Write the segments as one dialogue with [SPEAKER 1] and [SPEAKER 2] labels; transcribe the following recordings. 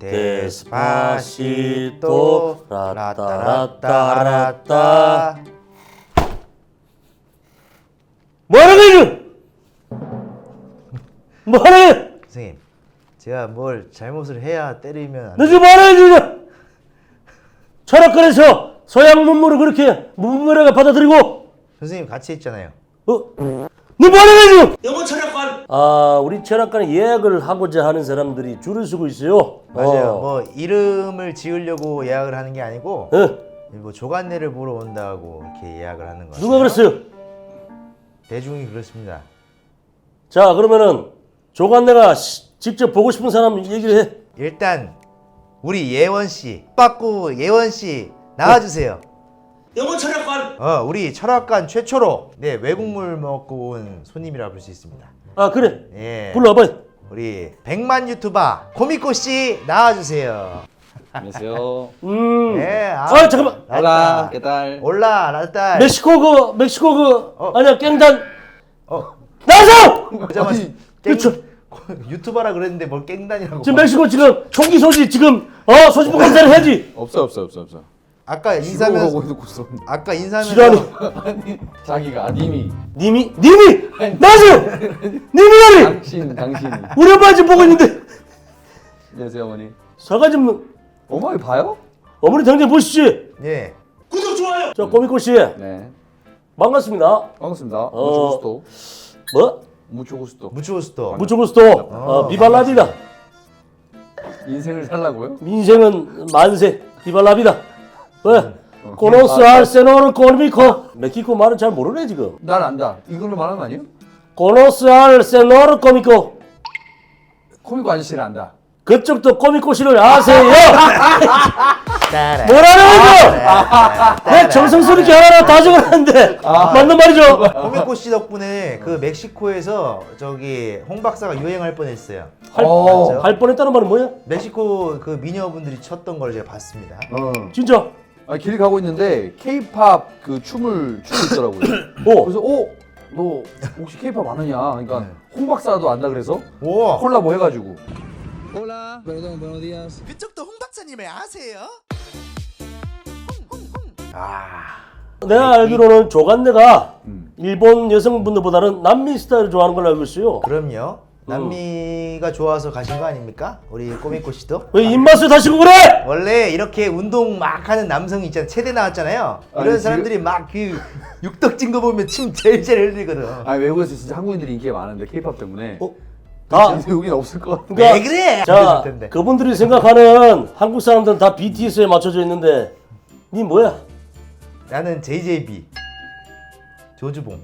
[SPEAKER 1] 데스파시토 라따라따라따.
[SPEAKER 2] 뭐하는 거야? 뭐하는 거야?
[SPEAKER 1] 선생님, 제가 뭘 잘못을 해야 때리면 안
[SPEAKER 2] 너
[SPEAKER 1] 돼요?
[SPEAKER 2] 지금 뭐하는 거야? 철학관에서 서양 문물을 그렇게 문물에게 받아들이고
[SPEAKER 1] 선생님 같이 했잖아요.
[SPEAKER 2] 너 뭐하는 거야 지금? 영어 철학관. 아, 우리 철학관에 예약을 하고자 하는 사람들이 줄을 서고 있어요.
[SPEAKER 1] 맞아요. 뭐 이름을 지으려고 예약을 하는 게 아니고 뭐 조간내를 보러 온다고 이렇게 예약을 하는 거예요.
[SPEAKER 2] 누가 그랬어요?
[SPEAKER 1] 대중이 그렇습니다.
[SPEAKER 2] 자, 그러면은 조간내가 직접 보고 싶은 사람 얘기를 해.
[SPEAKER 1] 일단 우리 예원 씨, 빠꾸 예원 씨 나와주세요.
[SPEAKER 2] 영어 철학관.
[SPEAKER 1] 우리 철학관 최초로 외국물 먹고 온 손님이라 볼 수 있습니다.
[SPEAKER 2] 아, 그래.
[SPEAKER 1] 예.
[SPEAKER 2] 불러와봐.
[SPEAKER 1] 우리 100만 유튜버 코미코 씨 나와주세요.
[SPEAKER 3] 안녕하세요.
[SPEAKER 1] 네,
[SPEAKER 2] 잠깐만.
[SPEAKER 3] Hola, ¿qué tal?
[SPEAKER 1] 올라 라딸.
[SPEAKER 2] 멕시코 아니야, 깽단. 나와서!
[SPEAKER 1] 보자마자
[SPEAKER 2] 그쵸.
[SPEAKER 1] 유튜버라 그랬는데 뭘 깽단이라고.
[SPEAKER 2] 지금 멕시코 지금 총기 소지 지금 소지품 검사를 해야지.
[SPEAKER 3] 없어.
[SPEAKER 1] 아까
[SPEAKER 3] 주로
[SPEAKER 1] 인사하면서
[SPEAKER 3] 하고 해놓고서
[SPEAKER 1] 아까 인사하면서
[SPEAKER 2] 지랄이.
[SPEAKER 3] 아니 자기가 님이
[SPEAKER 2] 님이 나와서! 님이라니!
[SPEAKER 3] 당신이
[SPEAKER 2] 우리 엄마 지금 보고 있는데.
[SPEAKER 3] 안녕하세요 어머니.
[SPEAKER 2] 사과 좀
[SPEAKER 3] 어머니 봐요?
[SPEAKER 2] 어머니 당장 보시지.
[SPEAKER 1] 예.
[SPEAKER 2] 구독 좋아요. 저 꼬미꼬 씨
[SPEAKER 3] 네
[SPEAKER 2] 반갑습니다.
[SPEAKER 3] 반갑습니다. mucho gusto.
[SPEAKER 2] 뭐?
[SPEAKER 3] mucho gusto.
[SPEAKER 1] 무추고스토.
[SPEAKER 2] 무초구스토 비발라비다.
[SPEAKER 3] 인생을 살라고요?
[SPEAKER 2] 인생은 만세 비발라비다. 왜? 코노스 알 세노르 코미코. 멕시코 말은 잘 모르네 지금.
[SPEAKER 3] 난 안다. 이걸로 말하는 거 아니에요?
[SPEAKER 2] 코노스 알 세노르 코미코.
[SPEAKER 3] 코미코 아저씨를 안다.
[SPEAKER 2] 그쪽도 꼬미꼬시를 아세요? 뭐라는 거죠? 내 정성스럽게 하나하나 다 적어놨는데 맞는 말이죠?
[SPEAKER 1] 코미코 씨 덕분에 그 멕시코에서 저기 홍 박사가 유행할 뻔했어요.
[SPEAKER 2] 할 뻔했다는 말은 뭐야?
[SPEAKER 1] 멕시코 그 미녀분들이 췄던 걸 제가 봤습니다.
[SPEAKER 2] 진짜?
[SPEAKER 3] 길 가고 있는데 K-팝 그 춤을 추고 있더라고요. 그래서 너 혹시 K-팝 아느냐? 그러니까 홍 박사도 안다 그래서
[SPEAKER 1] 오.
[SPEAKER 3] 콜라보 해가지고.
[SPEAKER 4] Hola, perdón, buenos días.
[SPEAKER 1] 그쪽도 홍 박사님을 아세요?
[SPEAKER 2] 내가 알기로는 조간내가 일본 여성분들보다는 남미 스타일을 좋아하는 걸로 알고 있어요.
[SPEAKER 1] 그럼요. 남미가 좋아서 가신 거 아닙니까? 우리 꼬미코 씨도?
[SPEAKER 2] 왜 입맛을 다시고 그래?
[SPEAKER 1] 원래 이렇게 운동 막 하는 남성이 있잖아요. 체대 나왔잖아요. 이런
[SPEAKER 3] 아니,
[SPEAKER 1] 사람들이 막 그 육덕진 거 보면 침 제일 흘리거든.
[SPEAKER 3] 아니 외국에서 진짜 한국인들이 인기가 많은데 K-팝 때문에
[SPEAKER 2] 다
[SPEAKER 3] 여긴 없을 것 같아.
[SPEAKER 2] 그러니까
[SPEAKER 1] 왜 그래?
[SPEAKER 2] 자,
[SPEAKER 1] 그랬을 텐데.
[SPEAKER 2] 그분들이 생각하는 한국 사람들은 다 BTS에 맞춰져 있는데 니 뭐야?
[SPEAKER 1] 나는 JJB 조주봉.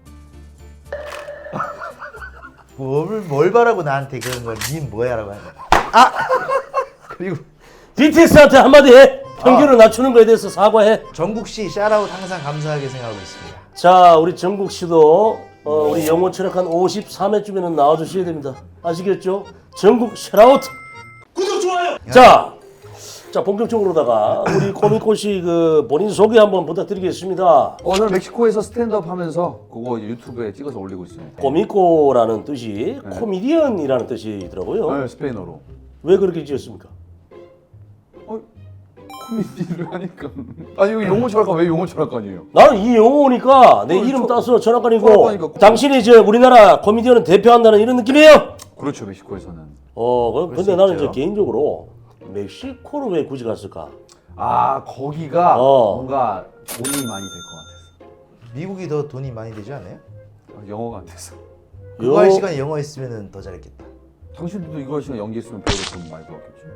[SPEAKER 1] 뭘 바라고 나한테 그런 걸 닌 뭐야라고 하는 거야. 그리고
[SPEAKER 2] BTS한테 한마디 해. 평균을 낮추는 거에 대해서 사과해.
[SPEAKER 1] 정국 씨 샤라웃 항상 감사하게 생각하고 있습니다.
[SPEAKER 2] 자, 우리 정국 씨도 우리 영어 철학 한 53회쯤에는 나와주셔야 됩니다. 아시겠죠? 정국 샤라웃. 구독 좋아요. 자, 본격적으로다가 우리 코미코 씨 그 본인 소개 한번 부탁드리겠습니다.
[SPEAKER 3] 저는 멕시코에서 스탠드업 하면서 그거 이제 유튜브에 찍어서 올리고 있어요.
[SPEAKER 2] 코미코라는 뜻이 코미디언이라는 뜻이더라고요.
[SPEAKER 3] 네, 스페인어로.
[SPEAKER 2] 왜 그렇게 지었습니까?
[SPEAKER 3] 코미디를 하니까. 아니 여기 용어 철학관 왜 용어 철학관이에요?
[SPEAKER 2] 나는 이 영어니까 내 이름 따서 철학관이고
[SPEAKER 3] 철학관이니까
[SPEAKER 2] 당신이 이제 우리나라 코미디언을 대표한다는 이런 느낌이에요?
[SPEAKER 3] 그렇죠 멕시코에서는.
[SPEAKER 2] 근데 나는 이제 개인적으로 멕시코를 왜 굳이 갔을까?
[SPEAKER 3] 거기가 뭔가 돈이 많이 될 것 같아서.
[SPEAKER 1] 미국이 더 돈이 많이 되지 않아요?
[SPEAKER 3] 영어가 안 돼서.
[SPEAKER 1] 그거 할 시간에 영어 했으면 더 잘했겠다.
[SPEAKER 3] 당신들도 이거 하시면 연기했으면 배우로 돈 많이 벌었겠지.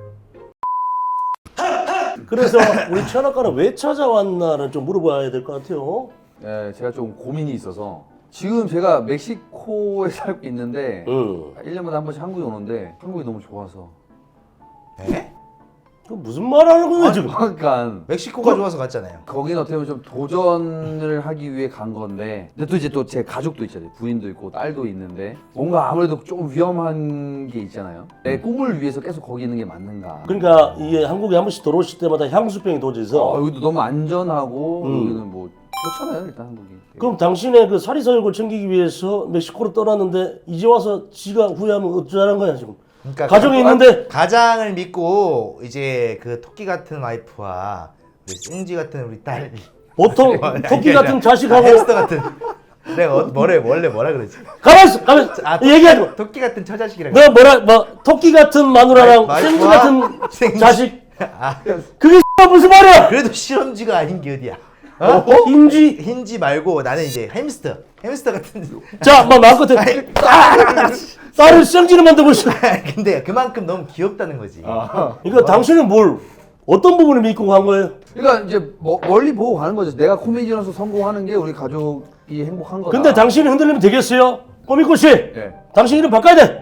[SPEAKER 2] 그래서 우리 철학관을 왜 찾아왔나를 좀 물어봐야 될 것 같아요.
[SPEAKER 3] 네, 제가 좀 고민이 있어서 지금 제가 멕시코에 살고 있는데 1년마다 한 번씩 한국에 오는데 한국이 너무 좋아서.
[SPEAKER 1] 에?
[SPEAKER 2] 그 무슨 말 하는 거야 지금?
[SPEAKER 3] 그러니까
[SPEAKER 1] 멕시코가 좋아서 갔잖아요.
[SPEAKER 3] 거기는 어떻게 보면 좀 도전을 하기 위해 간 건데 근데 또 이제 또 제 가족도 있잖아요. 부인도 있고 딸도 있는데 뭔가 아무래도 조금 위험한 게 있잖아요. 내 꿈을 위해서 계속 거기 있는 게 맞는가.
[SPEAKER 2] 그러니까 이게 한국에 한 번씩 들어오실 때마다 향수병이 도져서
[SPEAKER 3] 여기도 너무 안전하고 여기는 뭐 좋잖아요 일단 한국이.
[SPEAKER 2] 그럼 당신의 그 사리사욕을 챙기기 위해서 멕시코로 떠났는데 이제 와서 지가 후회하면 어쩌라는 거야 지금?
[SPEAKER 1] 그러니까
[SPEAKER 2] 가정이 있는데
[SPEAKER 1] 가장을 믿고 이제 그 토끼 같은 와이프와 우리 승지 같은 우리 딸
[SPEAKER 2] 보통 토끼 같은 자식하고
[SPEAKER 1] 햄스터 같은 내가 원래 뭐라 그러지?
[SPEAKER 2] 가만있어 얘기하지 마.
[SPEAKER 1] 토끼 같은 처자식이라고.
[SPEAKER 2] 너 뭐 토끼 같은 마누라랑 생쥐 같은
[SPEAKER 1] 생쥐.
[SPEAKER 2] 자식
[SPEAKER 1] 아,
[SPEAKER 2] 그게 무슨 말이야?
[SPEAKER 1] 그래도 실험쥐가 아닌 게 어디야?
[SPEAKER 2] 흰쥐
[SPEAKER 1] 말고 나는 이제 햄스터 같은.
[SPEAKER 2] 자, 뭐 마음껏 해. 딸을 생쥐를 만들고 있어.
[SPEAKER 1] 근데 그만큼 너무 귀엽다는 거지.
[SPEAKER 2] 그러니까 당신은 뭘 어떤 부분을 믿고 간 거예요?
[SPEAKER 3] 그러니까 이제 멀리 보고 가는 거죠. 내가 코미디언으로서 성공하는 게 우리 가족이 행복한 거다.
[SPEAKER 2] 근데 당신이 흔들리면 되겠어요? 꼬미꼬 씨,
[SPEAKER 3] 네.
[SPEAKER 2] 당신 이름 바꿔야 돼.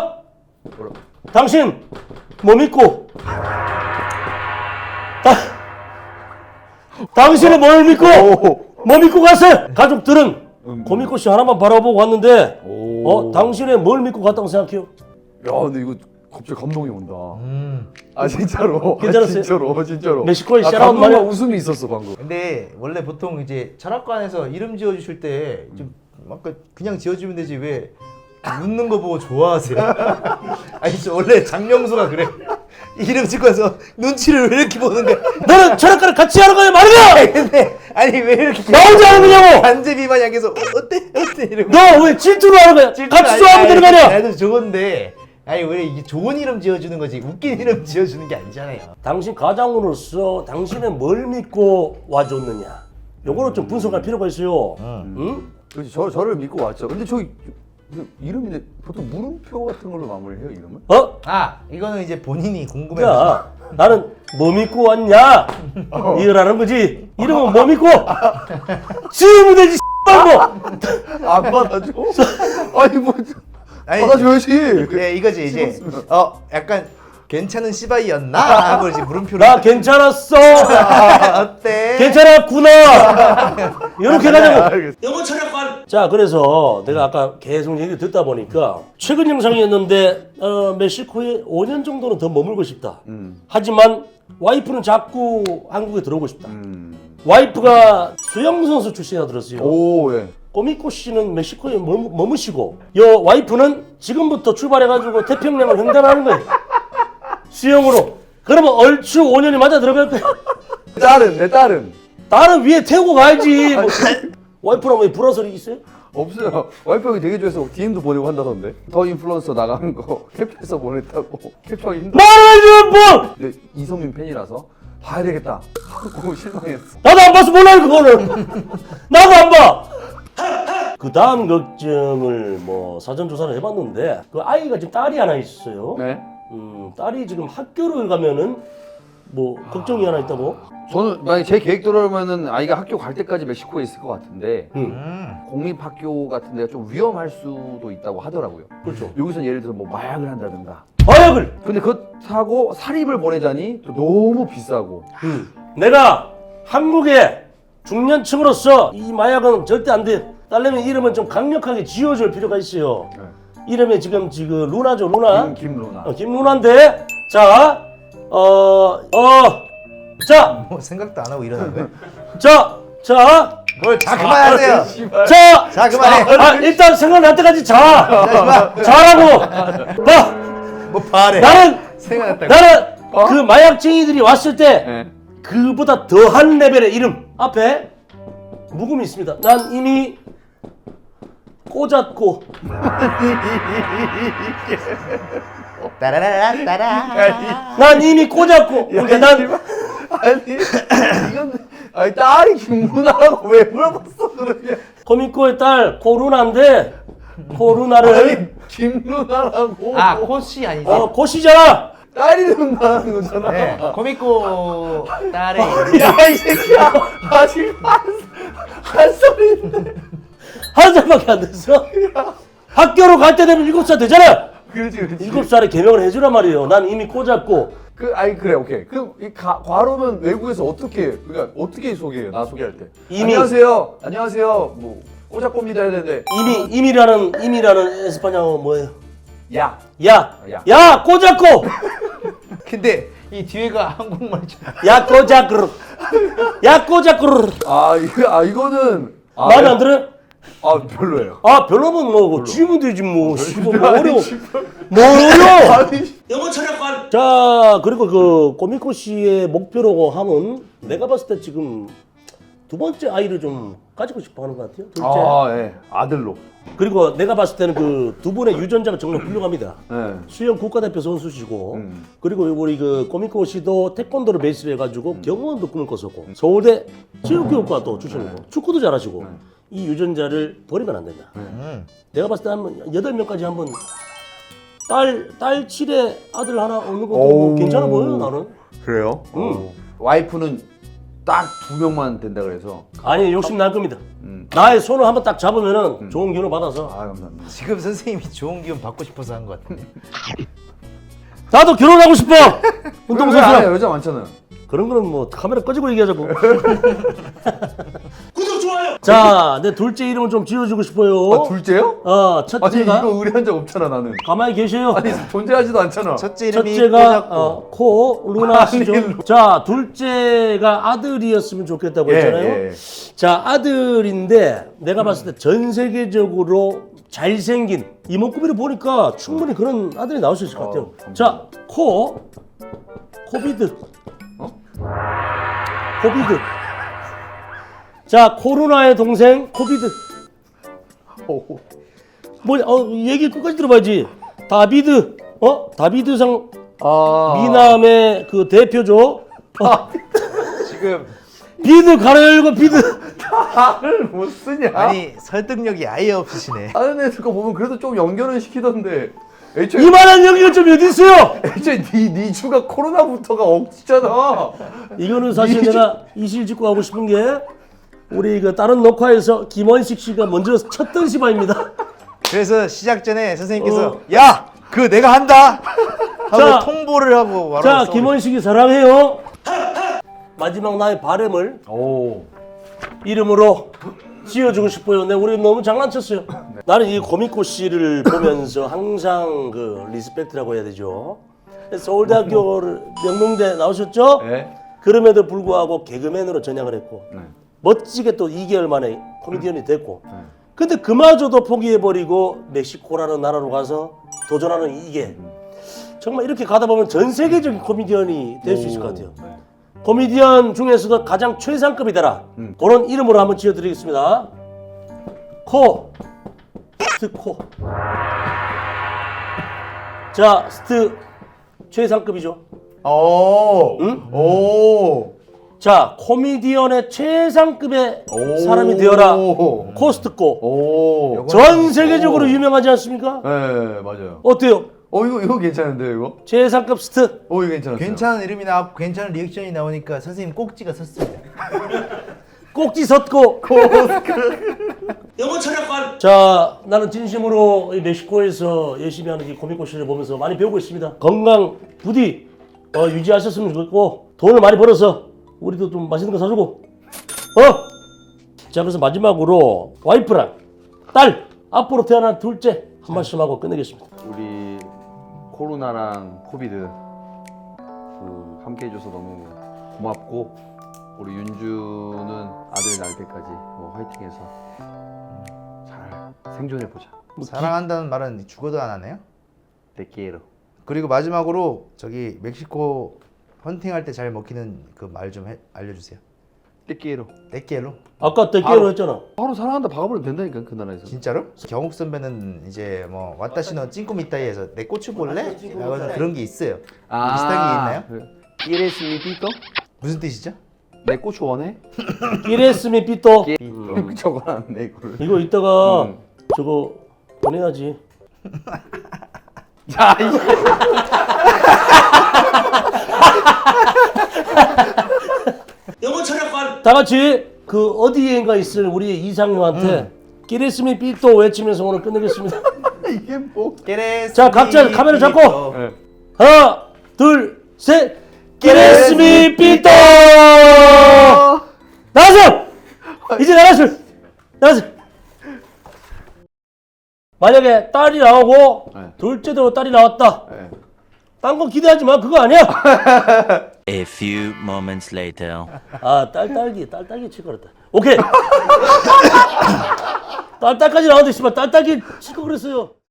[SPEAKER 2] 당신 뭐 믿고? 당신은 뭘 믿고? 뭐 믿고 갔어요? 가족들은 고미꼬 씨 하나만 바라보고 왔는데, 당신의 뭘 믿고 갔다고 생각해요?
[SPEAKER 3] 야, 근데 이거 갑자기 감동이 온다. 아 진짜로.
[SPEAKER 2] 괜찮았어요?
[SPEAKER 3] 진짜로.
[SPEAKER 2] 멕시코에 샤라웃
[SPEAKER 3] 감동과
[SPEAKER 2] 말이야.
[SPEAKER 3] 웃음이 있었어 방금.
[SPEAKER 1] 근데 원래 보통 이제 철학관에서 이름 지어주실 때 좀 막 그냥 지어주면 되지 왜 웃는 거 보고 좋아하세요? 아니 원래 장명수가 그래. 이름 짓고 와서 눈치를 왜 이렇게 보는 거야?
[SPEAKER 2] 너는 철학과를 같이 하는 거야 말이야!
[SPEAKER 1] 근데 아니 왜 이렇게
[SPEAKER 2] 나 혼자 하는 거냐고!
[SPEAKER 1] 간제비 마냥 계속 어때 이러고.
[SPEAKER 2] 너 왜 질투를 하는 거야? 같이 좋아하면 되는 거 아니야?
[SPEAKER 1] 나도 좋은데 아니 왜 이게 좋은 이름 지어주는 거지 웃긴 이름 지어주는 게 아니잖아요.
[SPEAKER 2] 당신 가장으로서 당신은 뭘 믿고 와줬느냐? 요거는 좀 분석할 필요가 있어요. 응?
[SPEAKER 3] 그렇지. 저를 믿고 왔죠. 근데 저기 이름인데 보통 물음표 같은 걸로 마무리해요 이름을?
[SPEAKER 1] 아 이거는 이제 본인이 궁금해서.
[SPEAKER 2] 야, 나는 뭐 믿고 왔냐? 이거라는 거지. 이름은 뭐 믿고? 지으면 되지, 말고!
[SPEAKER 3] 안 받아줘? 아니 뭐
[SPEAKER 1] 아니,
[SPEAKER 3] 받아줘야지.
[SPEAKER 1] 네 이거지 이제 약간 괜찮은 시바이였나 하고 이제 물음표를.
[SPEAKER 2] 나 괜찮았어!
[SPEAKER 1] 어때?
[SPEAKER 2] 괜찮았구나! 이렇게 가자고!
[SPEAKER 3] 알겠어.
[SPEAKER 2] 영어 철학관! 자, 그래서 내가 아까 계속 얘기 듣다 보니까 최근 영상이었는데 멕시코에 5년 정도는 더 머물고 싶다. 하지만 와이프는 자꾸 한국에 들어오고 싶다. 와이프가 수영선수 출신이라 들었어요.
[SPEAKER 3] 오 예.
[SPEAKER 2] 꼬미꼬 씨는 멕시코에 머무시고 여 와이프는 지금부터 출발해가지고 태평양을 횡단하는 거예요. 수영으로. 그러면 얼추 5년이 맞아 들어갈 거야.
[SPEAKER 3] 내 딸은
[SPEAKER 2] 나는 위에 태우고 가야지. 뭐. 와이프랑 왜 불화설이 있어요?
[SPEAKER 3] 없어요. 와이프 형이 되게 좋아해서 DM도 보내고 한다던데. 더 인플루언서 나간 거 캡처해서 보냈다고. 캡처하기 힘들어.
[SPEAKER 2] 말하지 뭐!
[SPEAKER 3] 근데 이성민 팬이라서 봐야 되겠다 하고 실망했어.
[SPEAKER 2] 나도 안 봐서 몰라요 그거를. 나도 안 봐. 그 다음 걱정을 뭐 사전 조사를 해봤는데 그 아이가 지금 딸이 하나 있어요.
[SPEAKER 3] 네.
[SPEAKER 2] 딸이 지금 학교를 가면은 뭐 걱정이 하나 있다고.
[SPEAKER 3] 저는 만약 제 계획대로라면은 아이가 학교 갈 때까지 멕시코에 있을 것 같은데
[SPEAKER 2] 응.
[SPEAKER 3] 공립학교 같은 데가 좀 위험할 수도 있다고 하더라고요.
[SPEAKER 2] 그렇죠.
[SPEAKER 3] 여기서 예를 들어 뭐 마약을 한다든가.
[SPEAKER 2] 마약을.
[SPEAKER 3] 근데 그렇다고 사립을 보내자니 또 너무 비싸고.
[SPEAKER 2] 내가 한국의 중년층으로서 이 마약은 절대 안 돼. 딸내미 이름은 좀 강력하게 지어줄 필요가 있어요.
[SPEAKER 3] 네.
[SPEAKER 2] 이름이 지금 루나죠, 루나.
[SPEAKER 3] 김루나.
[SPEAKER 2] 김루나인데, 자, 자,
[SPEAKER 1] 뭐 생각도 안 하고 이러는 거야?
[SPEAKER 2] 자,
[SPEAKER 1] 뭘 자 그만하세요. 자 그만해.
[SPEAKER 2] 일단 생각날 때까지 자라고. 봐,
[SPEAKER 1] 뭐 바래.
[SPEAKER 2] 나는
[SPEAKER 1] 생각났다고.
[SPEAKER 2] 그 마약쟁이들이 왔을 때
[SPEAKER 3] 네.
[SPEAKER 2] 그보다 더한 레벨의 이름 앞에 묵음이 있습니다. 난 이미 꽂았고.
[SPEAKER 1] 따라라라 따라.
[SPEAKER 2] 난 이미 꽂았고. 그러니까 난
[SPEAKER 3] 아니 이건 아니 딸이 김루나라고 왜 물어봤어 그러냐.
[SPEAKER 2] 코미코의 딸 코루나인데 코루나를
[SPEAKER 3] 아니 김루나라고.
[SPEAKER 1] 아 코씨 아니지?
[SPEAKER 2] 고시잖아.
[SPEAKER 3] 딸 이름 나는 거잖아.
[SPEAKER 1] 네. 코미코 딸의
[SPEAKER 3] 야 이 새끼야. 아직 한 소리인데.
[SPEAKER 2] 한 살밖에 안 됐어. 학교로 갈 때 되면 7살 되잖아.
[SPEAKER 3] 그렇지.
[SPEAKER 2] 7살에 개명을 해주란 말이에요. 난 이미 꽂았고.
[SPEAKER 3] 아니 그래 오케이. 그럼 이 과로는 외국에서 그러니까 어떻게 소개해요? 나 소개할 때.
[SPEAKER 2] 이미-
[SPEAKER 3] 안녕하세요. 뭐 꼬작꼬입니다 해야 되는데.
[SPEAKER 2] 이미라는 에스파냐어 뭐예요?
[SPEAKER 3] 야.
[SPEAKER 2] 야 꽂았고.
[SPEAKER 1] 근데 이 뒤에가 한국말이잖아.
[SPEAKER 2] 야 꽂았고.
[SPEAKER 3] 이거는
[SPEAKER 2] 마음에 안 들어요?
[SPEAKER 3] 아 별로예요.
[SPEAKER 2] 아 별로면 뭐 지으면 되지 뭐. 뭐 어려워. 뭐 어려워. 영어 철학관. 자 그리고 그 꼬미코 씨의 목표라고 하면 내가 봤을 때 지금 두 번째 아이를 좀 가지고 싶어하는 것 같아요. 둘째.
[SPEAKER 3] 아 예. 아들로.
[SPEAKER 2] 그리고 내가 봤을 때는 그 두 분의 유전자가 정말 훌륭합니다.
[SPEAKER 3] 예.
[SPEAKER 2] 수영 국가대표 선수시고 그리고 우리 그 꼬미코 씨도 태권도를 베이스로 해가지고 경호원도 꿈을 꿨었고 서울대 체육교육과도 출신이고 축구도 잘하시고 이 유전자를 버리면 안 된다. 내가 봤을 때 한 8명까지 한번 딸 7에 아들 하나 얻는 것도 뭐 괜찮아 보여요 나는.
[SPEAKER 3] 그래요? 와이프는 딱 2명만 된다 그래서.
[SPEAKER 2] 아니 욕심 날 겁니다. 나의 손을 한번 딱 잡으면은 좋은 기운을 받아서
[SPEAKER 3] 아 감사합니다.
[SPEAKER 1] 지금 선생님이 좋은 기운 받고 싶어서 한 것 같은데.
[SPEAKER 2] 나도 결혼하고 싶어. 운동선수야.
[SPEAKER 3] 여자 많잖아요.
[SPEAKER 2] 그런 거는 뭐 카메라 꺼지고 얘기하자고. 구독 좋아요. 자, 내 둘째 이름을 좀 지어주고 싶어요.
[SPEAKER 3] 아 둘째요? 아니
[SPEAKER 2] 첫째가
[SPEAKER 3] 이거 의뢰한 적 없잖아 나는.
[SPEAKER 2] 가만히 계세요.
[SPEAKER 3] 아니 존재하지도 않잖아.
[SPEAKER 1] 첫째 이름이
[SPEAKER 2] 첫째가
[SPEAKER 1] 꼬잡고.
[SPEAKER 2] 코 루나 씨죠. 자, 둘째가 아들이었으면 좋겠다고 했잖아요.
[SPEAKER 3] 예.
[SPEAKER 2] 자, 아들인데 내가 봤을 때 전 세계적으로 잘생긴 이목구비를 보니까 충분히 그런 아들이 나올 수 있을 것 같아요. 자, 코비드. 코비드. 자, 코로나의 동생 코비드. 뭐 얘기 끝까지 들어봐야지. 다비드. 다비드상 미남의 그 대표죠.
[SPEAKER 1] 지금
[SPEAKER 2] 비드 가로 열고 비드.
[SPEAKER 3] 말을 못 쓰냐?
[SPEAKER 1] 아니 설득력이 아예 없으시네.
[SPEAKER 3] 다른 애들 거 보면 그래도 좀 연결은 시키던데. 애초에
[SPEAKER 2] 이만한 여기가 좀 어디 있어요?
[SPEAKER 3] 네 주가 코로나부터가 억지잖아.
[SPEAKER 2] 이거는 사실 내가 이실직고 하고 싶은 게 우리 그 다른 녹화에서 김원식 씨가 먼저 쳤던 시바입니다.
[SPEAKER 1] 그래서 시작 전에 선생님께서 야, 그거 내가 한다 하고
[SPEAKER 2] 자,
[SPEAKER 1] 통보를 하고 바로
[SPEAKER 2] 자,
[SPEAKER 1] 써버렸어요.
[SPEAKER 2] 김원식이 사랑해요. 마지막 나의 바램을
[SPEAKER 3] 오.
[SPEAKER 2] 이름으로 지어주고 싶어요. 네, 우리 너무 장난쳤어요. 나는 이 고미코 씨를 보면서 항상 그 리스펙트라고 해야 되죠. 서울대학교를 명문대 나오셨죠?
[SPEAKER 3] 네.
[SPEAKER 2] 그럼에도 불구하고 개그맨으로 전향을 했고
[SPEAKER 3] 네.
[SPEAKER 2] 멋지게 또 2개월 만에 코미디언이 됐고 근데 그마저도 포기해버리고 멕시코라는 나라로 가서 도전하는 이게 정말 이렇게 가다 보면 전 세계적인 코미디언이 될 수 있을 것 같아요.
[SPEAKER 3] 네.
[SPEAKER 2] 코미디언 중에서도 가장 최상급이 되라. 그런 이름으로 한번 지어드리겠습니다. 스트. 자, 스트 최상급이죠.
[SPEAKER 3] 오.
[SPEAKER 2] 응?
[SPEAKER 3] 오.
[SPEAKER 2] 자, 코미디언의 최상급의 사람이 되어라. 코스트코.
[SPEAKER 3] 오.
[SPEAKER 2] 전 세계적으로 유명하지 않습니까?
[SPEAKER 3] 네 맞아요.
[SPEAKER 2] 어때요?
[SPEAKER 3] 이거 괜찮은데요 이거?
[SPEAKER 2] 최상급 스트.
[SPEAKER 3] 이거 괜찮았어요.
[SPEAKER 1] 괜찮은 이름이 나왔고 괜찮은 리액션이 나오니까 선생님 꼭지가 섰습니다.
[SPEAKER 2] 꼭지 섰고. 영어 철학관. 자, 나는 진심으로 이 멕시코에서 열심히 하는 이 코미코 씨를 보면서 많이 배우고 있습니다. 건강 부디 유지하셨으면 좋겠고 돈을 많이 벌어서 우리도 좀 맛있는 거 사주고. 자, 그래서 마지막으로 와이프랑 딸 앞으로 태어난 둘째 한 말씀 하고 끝내겠습니다.
[SPEAKER 3] 우리 코로나랑 코비드 함께 해줘서 너무 고맙고 우리 윤주는 아들 낳을 때까지 화이팅해서 잘 생존해보자.
[SPEAKER 1] 사랑한다는 말은 죽어도 안 하네요.
[SPEAKER 3] 데끼에로.
[SPEAKER 1] 그리고 마지막으로 저기 멕시코 헌팅할 때 잘 먹히는 그 말 좀 알려주세요.
[SPEAKER 3] 데끼에로.
[SPEAKER 1] 떼끼엘로?
[SPEAKER 2] 아까 대깨로 했잖아.
[SPEAKER 3] 바로 사랑한다 박아버리면 된다니까 그 나라에서.
[SPEAKER 1] 진짜로? 경욱 선배는 이제 뭐 와타시노 찐꾸미따이에서 내 꽃을 볼래? 라고 그런 게 있어요. 비슷한 게 있나요?
[SPEAKER 3] 이레스 미피또?
[SPEAKER 1] 무슨 뜻이죠?
[SPEAKER 3] 내 꽃 원해?
[SPEAKER 2] 이레스미 삐또.
[SPEAKER 3] 적어놨네 이거를.
[SPEAKER 2] 이거 이따가 저거 보내야지.
[SPEAKER 3] 야 이.
[SPEAKER 2] 다 같이 그 어디엔가 있을 우리 이상효한테 끼레스미 삐또 외치면서 오늘 끝내겠습니다.
[SPEAKER 3] 이게 뭐?
[SPEAKER 2] 자, 각자 카메라 잡고.
[SPEAKER 3] 네.
[SPEAKER 2] 하나, 둘, 셋. 끼레스미 삐또. 나가세요. 이제 나가세요. 만약에 딸이 나오고
[SPEAKER 3] 네.
[SPEAKER 2] 둘째도 딸이 나왔다.
[SPEAKER 3] 네.
[SPEAKER 2] 딴 거 기대하지 마. 그거 아니야.
[SPEAKER 5] A few moments later.
[SPEAKER 2] 아, 딸딸기 칠 거랬다. 오케이. 딸딸까지 나왔는데 씨발 딸딸기 칠 거 그랬어요.